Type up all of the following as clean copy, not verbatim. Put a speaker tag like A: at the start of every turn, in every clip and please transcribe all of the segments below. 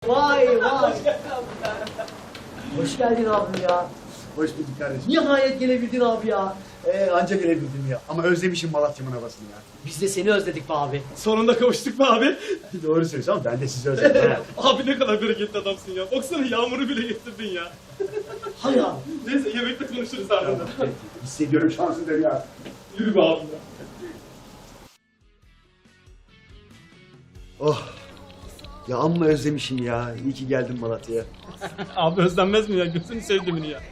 A: Vay vay. Hoş geldin abi ya.
B: Hoş bulduk kardeşim.
A: Nihayet gelebildin abi ya.
B: Anca gelebildim ya. Ama özlemişim Malatya'mın havasını ya.
A: Biz de seni özledik be abi.
C: Sonunda kavuştuk be abi.
B: Doğru söylüyorsun ama ben de sizi özledim. ha.
C: Abi ne kadar bereketli adamsın ya. Baksana yağmuru bile getirdin ya.
A: Hay abi.
C: Neyse yemekte konuşuruz ardından.
B: Hissediyorum şanslıdır ya.
C: Yürü be abi ya.
B: Oh. Ya amma özlemişim ya. İyi ki geldin Malatya'ya.
C: Abi özlenmez mi ya? Gözünü sevdimini ya.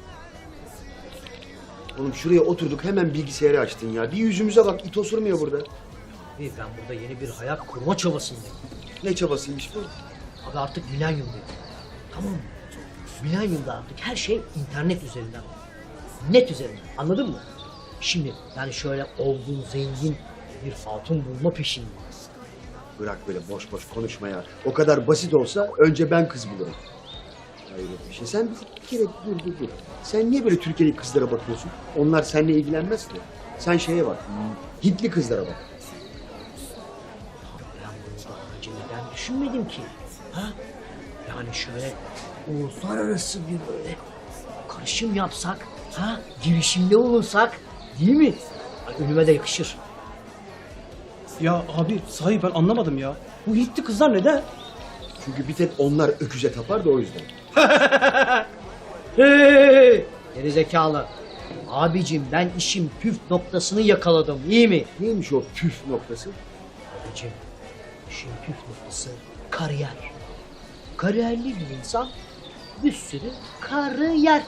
B: Oğlum şuraya oturduk hemen bilgisayarı açtın ya. Bir yüzümüze bak, it osurmuyor burada.
A: Abi ben burada yeni bir hayat kurma çabasındayım.
B: Ne çabasıymış bu?
A: Abi artık milenyumdayım. Tamam mı? Milenyumda artık her şey internet üzerinden. Net üzerinden. Anladın mı? Şimdi yani şöyle olgun, zengin bir hatun bulma peşindeyim.
B: Bırak böyle boş boş konuşma ya. O kadar basit olsa önce ben kız bulurum. Hayret bir şey. Sen bir kere dur. Sen niye böyle Türkiye'li kızlara bakıyorsun? Onlar seninle ilgilenmez ki. Sen şeye bak. Hintli kızlara bak.
A: Ben bunu daha önce neden düşünmedim ki? Ha? Yani şöyle uluslararası bir böyle karışım yapsak, ha? Girişimde olursak, değil mi? Ay, önüme de yakışır.
C: Ya abi sahi ben anlamadım ya. Bu Hintli kızlar neden?
B: Çünkü bir tek onlar öküze tapar da o yüzden.
A: Hey! Geri zekalı. Abicim ben işin püf noktasını yakaladım, iyi mi?
B: Neymiş o püf noktası?
A: Abicim, işin püf noktası kariyer. Kariyerli bir insan bir sürü karı yer.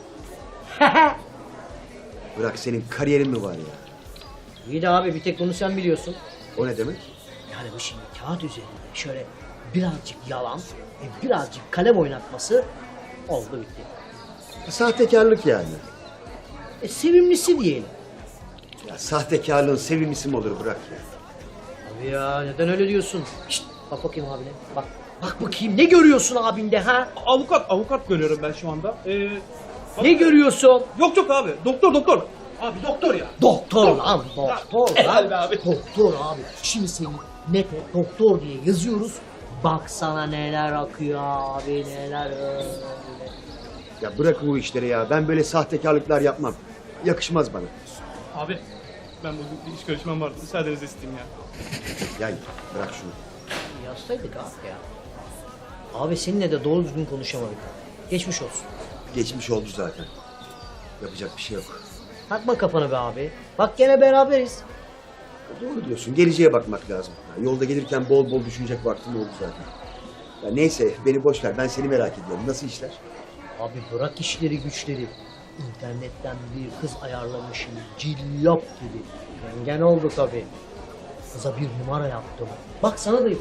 B: Bırak senin kariyerin mi var ya?
A: İyi de abi bir tek bunu sen biliyorsun.
B: O ne demek?
A: Yani bu şimdi kağıt üzerinde şöyle birazcık yalan, birazcık kalem oynatması oldu bitti.
B: Sahtekarlık yani.
A: Sevimlisi diyelim.
B: Ya sahtekarlığın sevimlisi mi olur bırak ya.
A: Abi ya neden öyle diyorsun? Şşt, bak bakayım abine. Bak. Bak bakayım ne görüyorsun abinde ha?
C: Avukat görüyorum ben şu anda.
A: Ne görüyorsun?
C: Yok abi. Doktor. Abi doktor ya.
A: Doktor lan doktor
C: Helal be
A: lan.
C: abi.
A: Doktor abi. Şimdi seni nete doktor diye yazıyoruz. Bak sana neler akıyor abi neler öyle.
B: Ya bırak bu işleri ya. Ben böyle sahtekarlıklar yapmam. Yakışmaz bana.
C: Abi ben bugün bir iş görüşmem vardı. Müsaadenizi isteyeyim ya.
B: Ya bırak şunu.
A: Yazsaydık abi ya. Abi seninle de doğru düzgün konuşamadık. Geçmiş olsun.
B: Geçmiş oldu zaten. Yapacak bir şey yok.
A: Takma kafana be abi. Bak gene beraberiz.
B: Doğru diyorsun. Geleceğe bakmak lazım. Ya yolda gelirken bol bol düşünecek vaktim oldu zaten. Ya neyse beni boş ver. Ben seni merak ediyorum. Nasıl işler?
A: Abi bırak işleri güçleri. İnternetten bir kız ayarlamışım. Cillop gibi. Yengen oldu tabii. Kıza bir numara yaptım. Bak sana da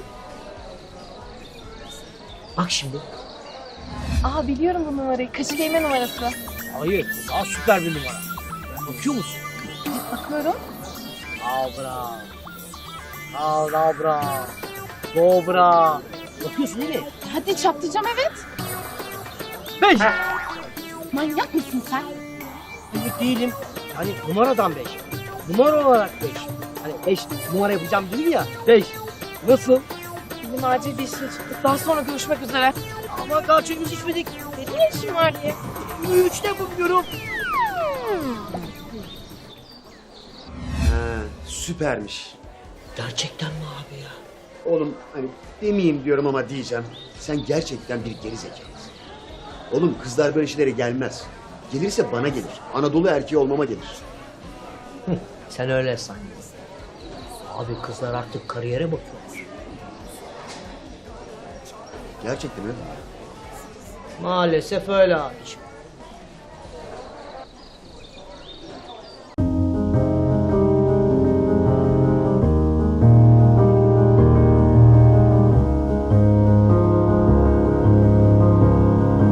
A: bak şimdi.
D: Aa biliyorum bu numarayı. Kaçı giyme numarası.
A: Hayır, daha süper bir numara. Bakıyor musun?
D: Bakıyorum.
A: Abra. Abra. Dobra. Bakıyorsun değil mi?
D: Hadi çatlayacağım evet.
A: 5.
D: Manyak mısın sen?
A: Evet değilim. Hani numaradan 5. Numara olarak 5. Hani 5 numara yapacağım dedim ya. 5. Nasıl?
D: Bizim acil bir işe çıktık. Daha sonra görüşmek üzere.
A: Ama daha çayımızı içmedik.
D: Ne işin var diye.
A: 3'te yapabiliyorum.
B: Ha, süpermiş.
A: Gerçekten mi abi ya?
B: Oğlum hani demeyeyim diyorum ama diyeceğim. Sen gerçekten bir geri zekalısın. Oğlum kızlar böyle şeylere gelmez. Gelirse bana gelir. Anadolu erkeği olmama gelir.
A: Sen öyle san. Abi kızlar artık kariyere bakıyorlar.
B: Gerçekten öyle mi?
A: Maalesef öyle abiciğim.